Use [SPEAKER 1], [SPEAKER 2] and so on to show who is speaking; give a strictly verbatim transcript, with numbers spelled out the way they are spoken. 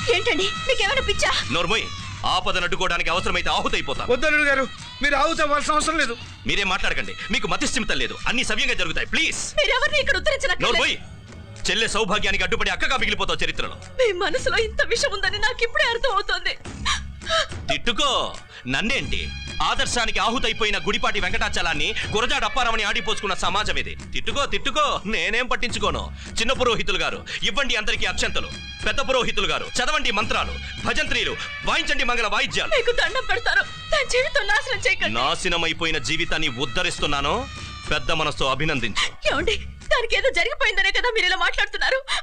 [SPEAKER 1] ఏంటండి మీకేమైనా పిచ్చా?
[SPEAKER 2] నోర్మోయ్, ఆపదను అడ్డుకోవడానికి అవసరమైతే ఆహుతైపోతా.
[SPEAKER 3] వద్దల్లుడు గారు, మీరు ఆహుతి అవ్వాల్సిన అవసరం లేదు.
[SPEAKER 2] మీరేం మాట్లాడకండి, మీకు మతిస్థిమితం లేదు. అన్ని సవ్యంగా జరుగుతాయి. ప్లీజ్
[SPEAKER 1] మీరెవరిని ఇక్కడ ఉత్తరించనక్కర్లేదు.
[SPEAKER 2] నోర్మోయ్, చెల్లె సౌభాగ్యానికి అడ్డుపడి అక్కగా మిగిలిపోతావు చరిత్రలో.
[SPEAKER 1] మీ మనసులో ఇంత విషయం ఉందని నాకు ఇప్పుడే అర్థం అవుతోంది.
[SPEAKER 2] తిట్టుకో, నన్నేంటి? ఆదర్శానికి ఆహుతైపోయిన గుడిపాటి వెంకటాచలాన్ని గురజాడ అప్పారామని ఆడిపోసుకున్న సమాజం ఇది. తిట్టుకో తిట్టుకో, నేనేం పట్టించుకోను. చిన్న పురోహితులు గారు ఇవ్వండి అందరికీ అక్షంతలు. పెద్ద పురోహితులు గారు చదవండి మంత్రాలు. భజంత్రీలు వాయించండి మంగళ వాయిద్యాలు.
[SPEAKER 1] మీకు దండం పెడతారు, నా జీవితం నాశనం చేయకండి.
[SPEAKER 2] నాశనమైపోయిన జీవితాన్ని ఉద్ధరిస్తున్నాను. పెద్ద మనసుతో అభినందించు.
[SPEAKER 1] ఏమండి, దానికి ఏదో జరిగిపోయిందనే కదా మీరు ఇలా మాట్లాడుతున్నారు.